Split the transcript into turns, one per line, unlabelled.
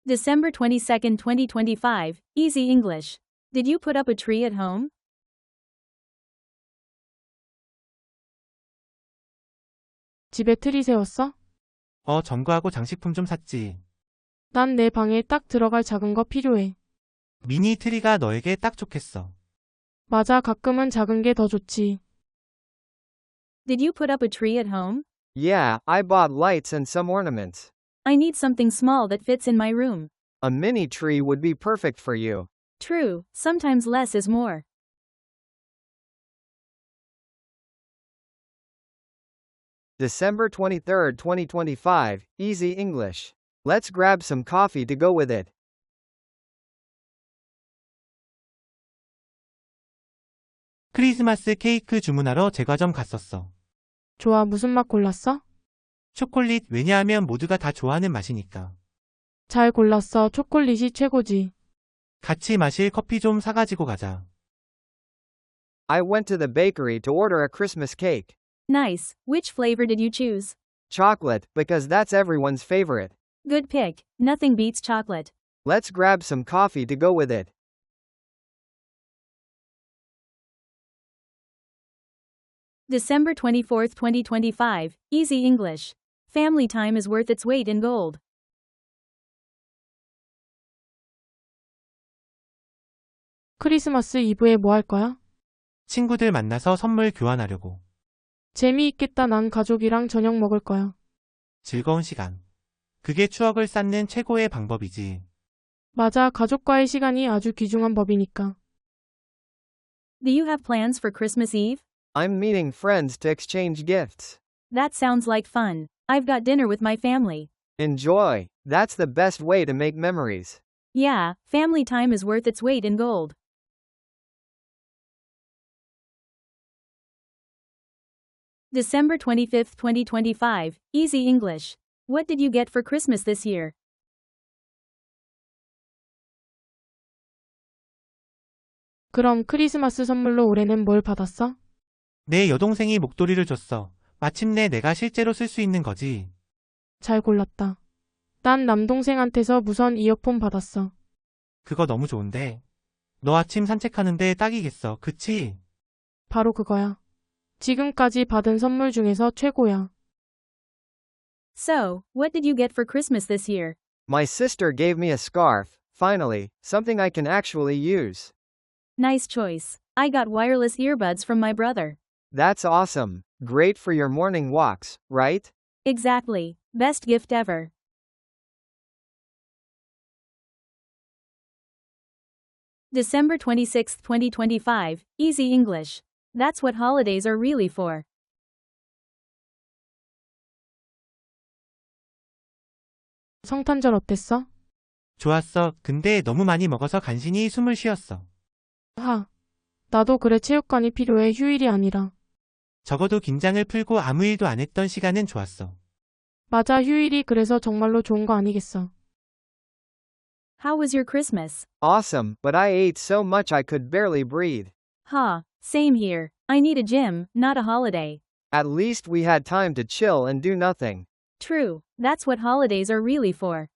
December 22, 2025, Easy English. Did you put up a tree at home?
집에 트리 세웠어?
점과하고 장식품 좀 샀지.
난 내 방에 딱 들어갈 작은 거 필요해.
미니 트리가 너에게 딱 좋겠어.
맞아, 가끔은 작은 게 더 좋지.
Did you put up a tree at home?
Yeah, I bought lights and some ornaments.
I need something small that fits in my room.
A mini tree would be perfect for you.
True, sometimes less is more.
December 23, 2025, Easy English. Let's grab some coffee to go with it.
크리스마스 케이크 주문하러 제과점 갔었어.
좋아, 무슨 맛 골랐어?
초콜릿, 왜냐하면 모두가 다 좋아하는 맛이니까.
잘 골랐어, 초콜릿이 최고지.
같이 마실 커피 좀 사가지고 가자.
I went to the bakery to order a Christmas cake.
Nice. Which flavor did you choose?
Chocolate, because that's everyone's favorite.
Good pick. Nothing beats chocolate.
Let's grab some coffee to go with it.
December 24, 2025, Easy English. Family time is worth its weight in gold.
크리스마스 이브에 뭐 할 거야?
친구들 만나서 선물 교환하려고.
재미있겠다. 난 가족이랑 저녁 먹을 거야.
즐거운 시간. 그게 추억을 쌓는 최고의 방법이지.
맞아, 가족과의 시간이 아주 귀중한 법이니까.
Do you have plans for Christmas Eve?
I'm meeting friends to exchange gifts.
That sounds like fun. I've got dinner with my family.
Enjoy. That's the best way to make memories.
Yeah, family time is worth its weight in gold. December 25, 2025, Easy English. What did you get for Christmas this year?
그럼 크리스마스 선물로 올해는 뭘 받았어?
내 여동생이 목도리를 줬어. 마침내 내가 실제로 쓸 수 있는 거지.
잘 골랐다. 난 남동생한테서 무선 이어폰 받았어.
그거 너무 좋은데. 너 아침 산책하는데 딱이겠어. 그치?
바로 그거야. 지금까지 받은 선물 중에서 최고야.
So, what did you get for Christmas this year?
My sister gave me a scarf, finally, something I can actually use.
Nice choice. I got wireless earbuds from my brother.
That's awesome. Great for your morning walks, right?
Exactly. Best gift ever. December 26, 2025, Easy English. That's what holidays are really for.
성탄절 어땠어?
좋았어. 근데 너무 많이 먹어서 간신히 숨을 쉬었어.
나도 그래. 체육관이 필요해. 휴일이 아니라.
적어도 긴장을 풀고 아무 일도 안 했던 시간은 좋았어.
맞아, 휴일이 그래서 정말로 좋은 거 아니겠어.
How was your Christmas?
Awesome, but I ate so much I could barely breathe.
Same here. I need a gym, not a holiday.
At least we had time to chill and do nothing.
True, that's what holidays are really for.